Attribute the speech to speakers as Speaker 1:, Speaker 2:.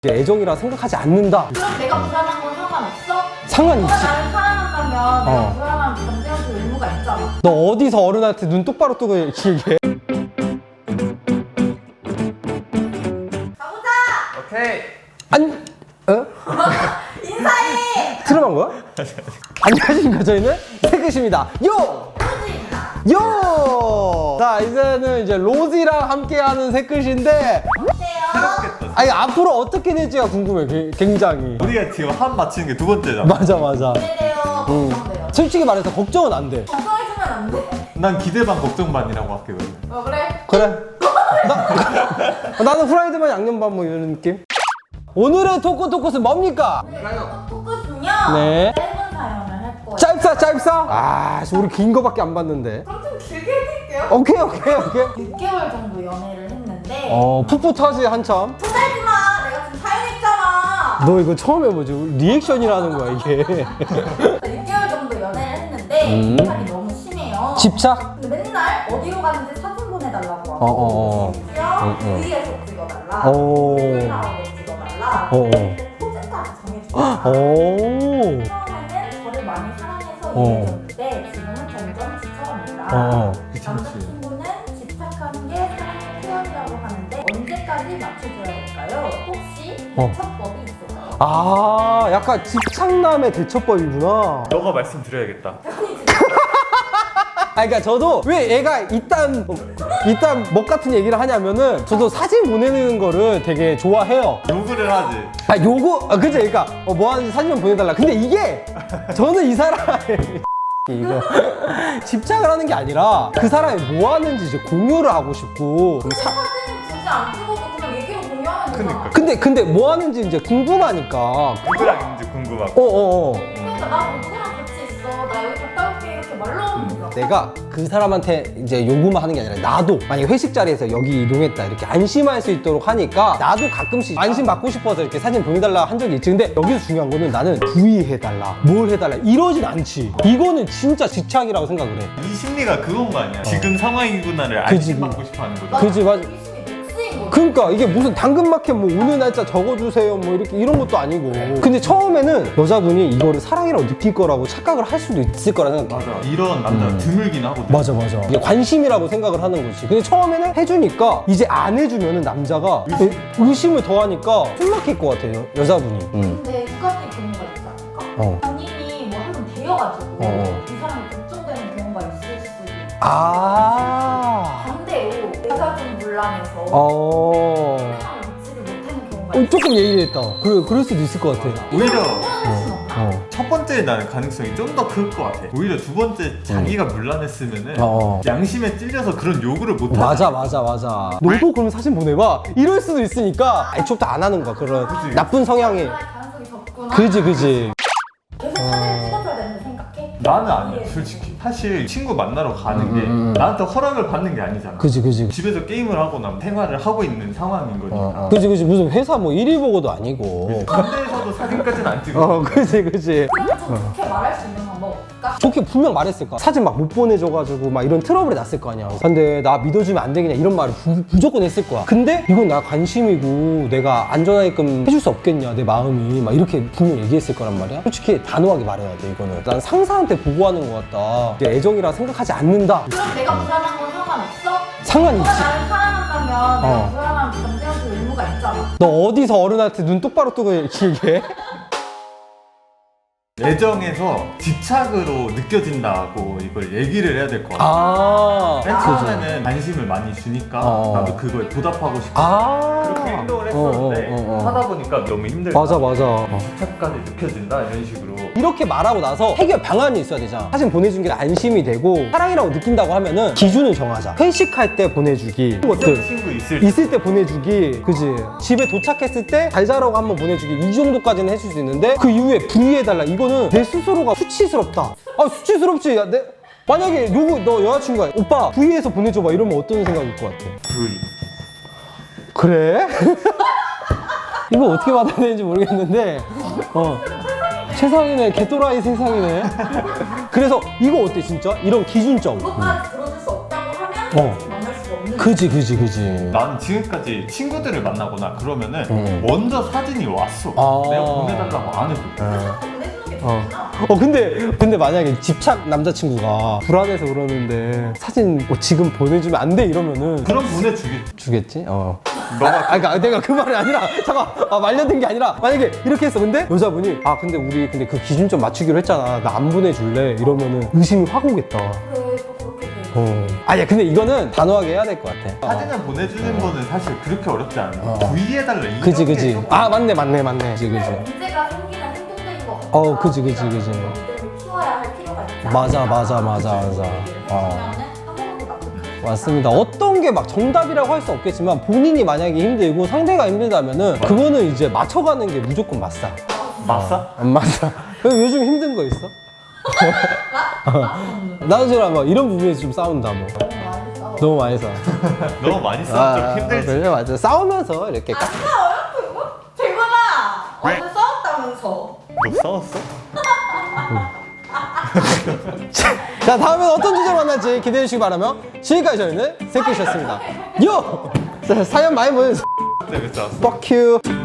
Speaker 1: 애정이라 생각하지 않는다.
Speaker 2: 그럼 내가 불안한 건 상관없어?
Speaker 1: 상관
Speaker 2: 너가
Speaker 1: 있지.
Speaker 2: 나를 사랑한다면 내가 불안한 감정할 의무가 있잖아.
Speaker 1: 너 어디서 어른한테 눈 똑바로 뜨고 얘기해?
Speaker 2: 가보자!
Speaker 3: 오케이.
Speaker 1: 안, 어?
Speaker 2: 인사해!
Speaker 1: 트름한 거야? 안녕하십니까. 저희는 태그십니다. 요! 요! 자, 이제는 이제 로지랑 함께하는 새끝인데,
Speaker 2: 어때요?
Speaker 1: 아니, 앞으로 어떻게 될지가 궁금해, 굉장히.
Speaker 3: 우리가 지금 한 맞히는 게 두 번째잖아.
Speaker 1: 맞아, 맞아.
Speaker 2: 기대돼요. 걱정돼요.
Speaker 1: 솔직히 말해서 걱정은 안 돼.
Speaker 2: 걱정해주면 안 돼.
Speaker 3: 난 기대 반 걱정 반이라고 할게 그러면.
Speaker 2: 그래?
Speaker 1: 그래. 나는 후라이드 반 양념 반 뭐 이런 느낌? 오늘의 토크는 뭡니까?
Speaker 2: 토크는요.
Speaker 1: 네.
Speaker 2: 짧은 사연을 할 거예요.
Speaker 1: 짧사? 아, 우리 긴 거밖에 안 봤는데.
Speaker 2: 그럼 좀 길게 해드릴게요.
Speaker 1: 오케이.
Speaker 2: 6개월 정도 연애를 했는데
Speaker 1: 풋풋하지, 한참.
Speaker 2: 토달지 마! 내가 지금 사연했잖아!
Speaker 1: 너 이거 처음 해보지? 리액션이라는 거야, 이게.
Speaker 2: 6개월 정도 연애를 했는데 집착이 너무 심해요.
Speaker 1: 집착?
Speaker 2: 근데 맨날 어디로 가는지 사진 보내달라고
Speaker 1: 어.
Speaker 2: 하고 V에서 찍어달라,
Speaker 1: 오.
Speaker 2: 폴라로 찍어달라,
Speaker 1: 어.
Speaker 2: 포즈까지 정해주고
Speaker 1: 오.
Speaker 2: 처음에는 저를 많이 사랑해서 이해해줬는데 지금은 점점 지쳐갑니다. 남자친구는 집착하는 게 사랑의 표현이라고 하는데 언제까지 맞춰줘야 될까요? 혹시 대처법이 있을까요?
Speaker 1: 아, 약간 집착남의 대처법이구나.
Speaker 3: 너가 말씀드려야겠다.
Speaker 1: 아, 그러니까 저도 왜 얘가 이딴 멋 같은 얘기를 하냐면은 저도 사진 보내는 거를 되게 좋아해요.
Speaker 3: 요구를 하지.
Speaker 1: 아, 그죠? 그러니까 뭐 하는지 사진 좀 보내달라. 근데 이게 저는 이 사람의 이거 집착을 하는 게 아니라 그 사람이 뭐 하는지 이제 공유를 하고 싶고
Speaker 2: 사진 굳이 안 찍어도 그냥 얘기로 공유하면 되잖아.
Speaker 3: 그니까.
Speaker 1: 근데 뭐 하는지 이제 궁금하니까.
Speaker 3: 누구랑 있는지 궁금하고.
Speaker 2: 그러니까 나 누구랑 같이 있어, 나 여기 갔다 올게 이렇게 말로 하면 되잖아.
Speaker 1: 내가 그 사람한테 이제 요구만 하는 게 아니라 나도 만약에 회식 자리에서 여기 이동했다 이렇게 안심할 수 있도록 하니까 나도 가끔씩 안심 받고 싶어서 이렇게 사진 보내달라 한 적이 있지. 근데 여기서 중요한 거는 나는 부위해달라 뭘 해달라 이러진 않지. 이거는 진짜 집착이라고 생각을 해.
Speaker 3: 이 심리가 그건 거 아니야. 지금 상황이구나를
Speaker 1: 그지.
Speaker 3: 안심받고 싶어 하는 거잖아.
Speaker 1: 그지, 맞아.
Speaker 2: 의심이 맥스인 거지.
Speaker 1: 그러니까 이게 무슨 당근마켓 뭐 오늘 날짜 적어주세요 뭐 이렇게 이런 것도 아니고. 근데 처음에는 여자분이 이거를 사랑이라고 느낄 거라고 착각을 할 수도 있을 거라는 생각.
Speaker 3: 맞아. 이런 남자 드물긴 하거든.
Speaker 1: 맞아. 이게 관심이라고 생각을 하는 거지. 근데 처음에는 해주니까 이제 안 해주면은 남자가 의심을 더하니까 숨 막힐 것 같아요, 여자분이.
Speaker 2: 근데 두 가지 경우가 있지 않을까? 본인이 뭐 한번 되어가지고 이 사람이 걱정되는 경우가 있을 수도 있고
Speaker 1: 아.
Speaker 2: 반대로 내가 좀 곤란해서 사랑을 믿지를 못하는 경우가 있어.
Speaker 1: 조금 예민했다. 그럴 수도 있을 것 같아.
Speaker 3: 오히려
Speaker 1: 어.
Speaker 3: 첫 번째 나는 가능성이 좀 더 클 것 같아. 오히려 두 번째 자기가 물란했으면은 양심에 찔려서 그런 요구를 못 하잖아.
Speaker 1: 맞아. 너도 그럼 사진 보내봐. 이럴 수도 있으니까 애초부터 안 하는 거야. 그런
Speaker 3: 그치.
Speaker 1: 나쁜 성향이.
Speaker 2: 가능성이 적구나.
Speaker 1: 그지.
Speaker 2: 계속 사진을 찍어줘야 되는데 생각해?
Speaker 3: 나는 아니야, 솔직히. 사실 친구 만나러 가는 게 나한테 허락을 받는 게 아니잖아.
Speaker 1: 그지.
Speaker 3: 집에서 게임을 하거나 생활을 하고 있는 상황인 거니까.
Speaker 1: 그지. 무슨 회사 뭐 일일 보고도 아니고.
Speaker 3: 군대에서도 사진까지는 안 찍어.
Speaker 1: 그지.
Speaker 2: 그럼 좀 좋게 말할 수 있는 방법 없을까?
Speaker 1: 좋게 분명 말했을 거야. 사진 막 못 보내줘가지고 막 이런 트러블이 났을 거 아니야. 근데 나 믿어주면 안 되겠냐 이런 말을 무조건 했을 거야. 근데 이건 나 관심이고 내가 안전하게끔 해줄 수 없겠냐 내 마음이 막 이렇게 분명 얘기했을 거란 말이야. 솔직히 단호하게 말해야 돼 이거는. 난 상사한테 보고하는 것 같다. 이게 애정이라 생각하지 않는다.
Speaker 2: 그럼 내가 불안한 건 상관없어?
Speaker 1: 상관
Speaker 2: 너가
Speaker 1: 있지.
Speaker 2: 나를 사랑한다면 내가 불안한 감정할 의무가 있잖아.
Speaker 1: 너 어디서 어른한테 눈 똑바로 뜨고 얘기해?
Speaker 3: 애정에서 집착으로 느껴진다고 이걸 얘기를 해야 될 것 같아. 맨
Speaker 1: 그지.
Speaker 3: 처음에는 관심을 많이 주니까 나도 그거에 보답하고 싶어. 그렇게 행동을 했었는데 하다 보니까 너무 힘들다.
Speaker 1: 맞아.
Speaker 3: 집착까지 느껴진다 이런 식으로.
Speaker 1: 이렇게 말하고 나서 해결 방안이 있어야 되잖아. 사진 보내준 게 안심이 되고 사랑이라고 느낀다고 하면은 기준을 정하자. 회식할 때 보내주기 것들
Speaker 3: 친구
Speaker 1: 있을 때 보내주기. 그지. 집에 도착했을 때 잘 자라고 한번 보내주기 이 정도까지는 해줄 수 있는데 그 이후에 부위해달라 이거는 내 스스로가 수치스럽다. 아 수치스럽지. 야, 만약에 너 여자친구가 오빠 부위해서 보내줘봐 이러면 어떤 생각일 것 같아?
Speaker 3: 부위.
Speaker 1: 그래? 이거 어떻게 받아야 되는지 모르겠는데 세상이네. 개또라이 세상이네. 그래서 이거 어때 진짜? 이런 기준점.
Speaker 2: 그것까지 들어줄 수 없다고 하면 만날 수가 없는
Speaker 1: 그지.
Speaker 3: 나는 지금까지 친구들을 만나거나 그러면은 먼저 사진이 왔어.
Speaker 1: 아.
Speaker 3: 내가 보내달라고 안 해도.
Speaker 2: 보내주는 게 좋구나.
Speaker 1: 근데 만약에 집착 남자친구가 불안해서 그러는데 사진 지금 보내주면 안 돼 이러면은
Speaker 3: 그럼 보내주겠지.
Speaker 1: 주겠지?
Speaker 3: 너가
Speaker 1: 그러니까 내가 그 말이 아니라 잠깐 말려든 게 아니라 만약에 이렇게 했어 근데 여자분이 근데 우리 그 기준 좀 맞추기로 했잖아 나 안 보내줄래 이러면은 의심이 확 오겠다.
Speaker 2: 그래 또 그렇게 돼.
Speaker 1: 아니야 근데 이거는 단호하게 해야 될 것 같아.
Speaker 3: 사진을 보내주는 거는 사실 그렇게 어렵지 않아. 구이해달라. 이런
Speaker 1: 그지
Speaker 3: 게 조금
Speaker 1: 맞네 그지
Speaker 2: 문제가 생기는 행동들인 것 같아.
Speaker 1: 그지
Speaker 2: 이들을 키워야 할 필요가 있다.
Speaker 1: 맞아 맞습니다. 어떤 게 막 정답이라고 할 수 없겠지만 본인이 만약에 힘들고 상대가 힘들다면은 그거는 이제 맞춰가는 게 무조건 맞다.
Speaker 3: 맞아?
Speaker 1: 안 맞아. 요즘 힘든 거 있어? 나도 지금 막 이런 부분에서 좀 싸운다 뭐.
Speaker 2: 너무 많이 싸워.
Speaker 1: 너무 많이 싸워.
Speaker 3: 너무 많이 싸우면 좀 힘들지.
Speaker 1: 그래 맞아. 싸우면서 이렇게
Speaker 2: 대건아! 어제 싸웠다면서.
Speaker 3: 너 싸웠어?
Speaker 1: 자 다음엔 어떤 주제로 만날지 기대해 주시기 바라며 지금까지 저희는 새끼셨습니다. 요! 자, 사연 많이 보내주세요.
Speaker 3: 네, 왜 싸웠어?
Speaker 1: Fuck you.